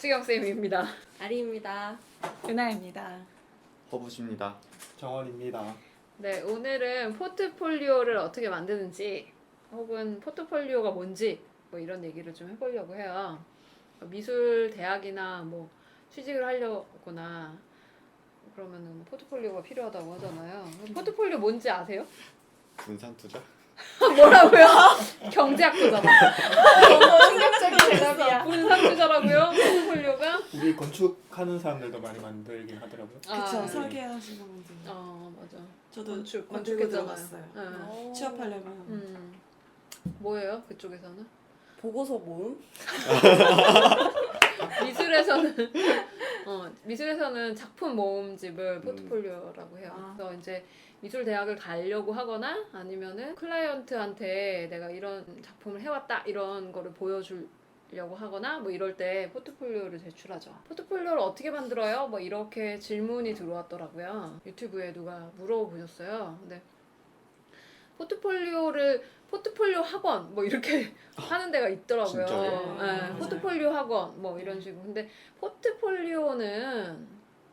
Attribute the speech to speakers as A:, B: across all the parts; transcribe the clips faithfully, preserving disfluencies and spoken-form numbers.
A: 수경쌤입니다.
B: 아리입니다.
C: 은하입니다.
D: 허부십니다.
E: 정원입니다.
A: 네, 오늘은 포트폴리오를 어떻게 만드는지 혹은 포트폴리오가 뭔지 뭐 이런 얘기를 좀 해보려고 해요. 미술 대학이나 뭐 취직을 하려거나 그러면은 포트폴리오가 필요하다고 하잖아요. 포트폴리오 뭔지 아세요?
D: 분산투자?
A: 뭐라고요? 경제학도잖아.
C: 충격적인 대답이야.
A: 분산투자라고요? 포트폴리오가?
E: 우리 건축하는 사람들도 많이 만들긴 하더라고요.
C: 그쵸,
A: 아,
C: 설계하시는 분들.
A: 어, 맞아.
C: 저도
A: 건축,
C: 만들고
A: 건축했잖아요.
C: 들어갔어요.
A: 네.
C: 취업하려면.
A: 음. 뭐예요? 그쪽에서는?
B: 보고서 모음?
A: 미술에서는 어, 미술에서는 작품 모음집을 포트폴리오라고 해요.
B: 아.
A: 그래서 이제 미술 대학을 가려고 하거나 아니면은 클라이언트한테 내가 이런 작품을 해왔다 이런 거를 보여주려고 하거나 뭐 이럴 때 포트폴리오를 제출하죠. 포트폴리오를 어떻게 만들어요? 뭐 이렇게 질문이 들어왔더라고요. 유튜브에 누가 물어보셨어요. 근데 포트폴리오를 포트폴리오 학원 뭐 이렇게 하는 데가 있더라고요.
D: 진짜요?
A: 네,
C: 맞아요.
A: 포트폴리오 학원 뭐 이런 식으로. 근데 포트폴리오는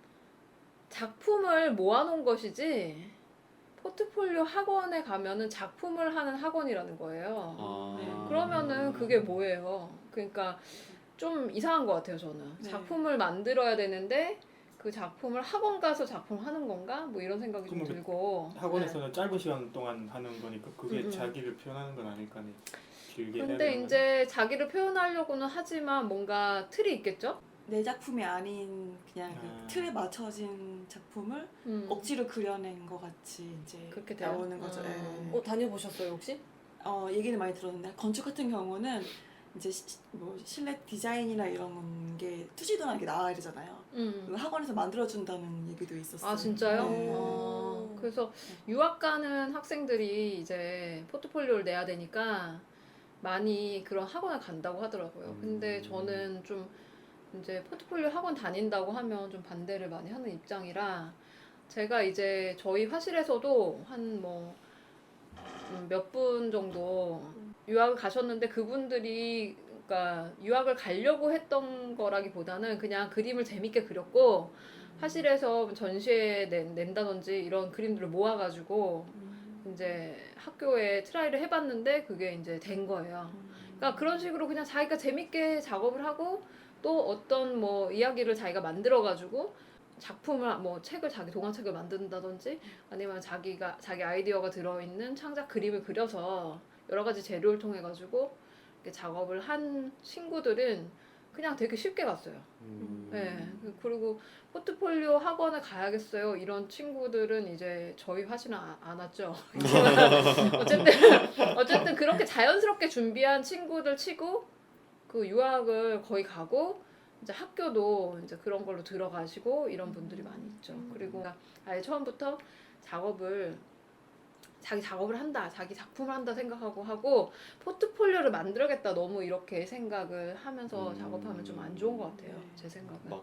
A: 작품을 모아놓은 것이지 포트폴리오 학원에 가면은 작품을 하는 학원이라는 거예요.
D: 아...
C: 네.
A: 그러면은 그게 뭐예요? 그러니까 좀 이상한 것 같아요, 저는.
C: 네.
A: 작품을 만들어야 되는데 그 작품을 학원 가서 작품을 하는 건가? 뭐 이런 생각이 좀
E: 그러면
A: 들고.
E: 학원에서는 짧은 시간 동안 하는 거니까 그게
A: 음, 음.
E: 자기를 표현하는 건 아닐까. 길게 해야
A: 근데
E: 되는
A: 이제 자기를 표현하려고는 하지만 뭔가 틀이 있겠죠?
C: 내 작품이 아닌 그냥 그
E: 아.
C: 틀에 맞춰진 작품을
A: 음.
C: 억지로 그려낸 것 같이 이제
A: 그렇게 돼요?
C: 나오는 거죠.
A: 아.
C: 예.
B: 어, 다녀보셨어요 혹시?
C: 어, 얘기는 많이 들었는데 건축 같은 경우는 이제 시, 뭐 실내 디자인이나 이런 게 투시도나게 나와야 되잖아요.
A: 음.
C: 그 학원에서 만들어준다는 얘기도 있었어요.
A: 아 진짜요?
C: 네.
A: 어, 그래서 유학 가는 학생들이 이제 포트폴리오를 내야 되니까 많이 그런 학원을 간다고 하더라고요.
D: 음.
A: 근데 저는 좀 이제 포트폴리오 학원 다닌다고 하면 좀 반대를 많이 하는 입장이라 제가 이제 저희 화실에서도 한 뭐 몇 분 정도 유학을 가셨는데 그분들이 그러니까 유학을 가려고 했던 거라기보다는 그냥 그림을 재밌게 그렸고 화실에서 전시회 낸, 낸다든지 이런 그림들을 모아가지고
C: 음.
A: 이제 학교에 트라이를 해봤는데 그게 이제 된 거예요. 그러니까 그런 식으로 그냥 자기가 재밌게 작업을 하고 또 어떤 뭐 이야기를 자기가 만들어가지고 작품을 뭐 책을 자기 동화책을 만든다든지 아니면 자기가 자기 아이디어가 들어있는 창작 그림을 그려서 여러 가지 재료를 통해 가지고 이렇게 작업을 한 친구들은 그냥 되게 쉽게 갔어요.
D: 음...
A: 네. 그리고 포트폴리오 학원을 가야겠어요. 이런 친구들은 이제 저희 화실은 안, 안 왔죠. 어쨌든 어쨌든 그렇게 자연스럽게 준비한 친구들 치고 그 유학을 거의 가고 이제 학교도 이제 그런 걸로 들어가시고 이런 분들이 많이 있죠. 그리고 아예 처음부터 작업을 자기 작업을 한다, 자기 작품을 한다 생각하고 하고 포트폴리오를 만들어야겠다 너무 이렇게 생각을 하면서
D: 음...
A: 작업하면 좀 안 좋은 것 같아요.
C: 네.
A: 제 생각은.
D: 막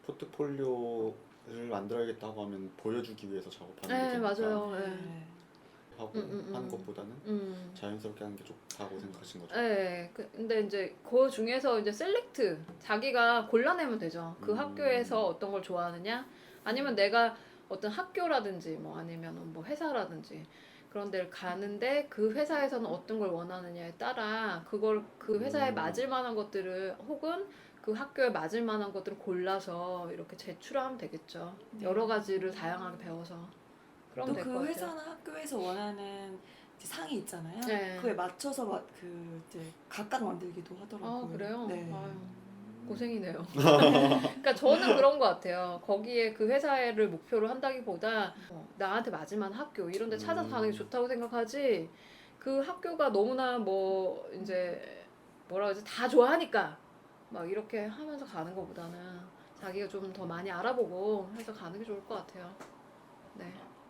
D: 포트폴리오를 만들어야겠다고 하면 보여주기 위해서 작업하는
A: 네,
D: 게
A: 맞아요. 네.
C: 네.
D: 하고
A: 음, 음, 음.
D: 하는 것보다는
A: 음.
D: 자연스럽게 하는 게 좋다고 생각하신 거죠?
A: 네, 그, 근데 이제 그 중에서 이제 셀렉트 자기가 골라내면 되죠. 그
D: 음.
A: 학교에서 어떤 걸 좋아하느냐, 아니면 내가 어떤 학교라든지 뭐 아니면 뭐 회사라든지 그런 데를 가는데 그 회사에서는 어떤 걸 원하느냐에 따라 그걸 그 회사에
D: 음.
A: 맞을 만한 것들을 혹은 그 학교에 맞을 만한 것들을 골라서 이렇게 제출하면 되겠죠.
C: 네.
A: 여러 가지를 다양하게 배워서. 그럼 될 것
C: 또 그
A: 같아요.
C: 회사나 학교에서 원하는 이제 상이 있잖아요.
A: 네.
C: 그에 맞춰서 막 그 이제 각각 만들기도 하더라고요.
A: 아 그래요?
C: 네.
A: 아유, 고생이네요. 그러니까 저는 그런 것 같아요. 거기에 그 회사를 목표로 한다기보다 어, 나한테 맞을 만한 학교 이런 데 찾아서
D: 음.
A: 가는 게 좋다고 생각하지 그 학교가 너무나 뭐 이제 뭐라 그러지 다 좋아하니까 막 이렇게 하면서 가는 것보다는 자기가 좀 더 많이 알아보고 해서 가는 게 좋을 것 같아요. 네.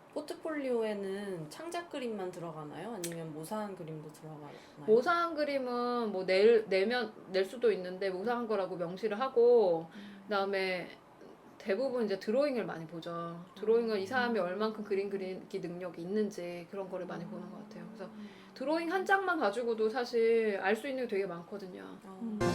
B: 포트폴리오에는 창작 그림만 들어가나요? 아니면 모사한 그림도 들어가나요?
A: 모사한 그림은 뭐 낼, 내면 낼 수도 있는데 모사한 거라고 명시를 하고 그다음에 대부분 이제 드로잉을 많이 보죠. 드로잉은 이 사람이 얼만큼 그림 그리기 능력이 있는지 그런 거를 많이 보는 것 같아요. 그래서 드로잉 한 장만 가지고도 사실 알 수 있는 게 되게 많거든요.
B: 어.
C: 음.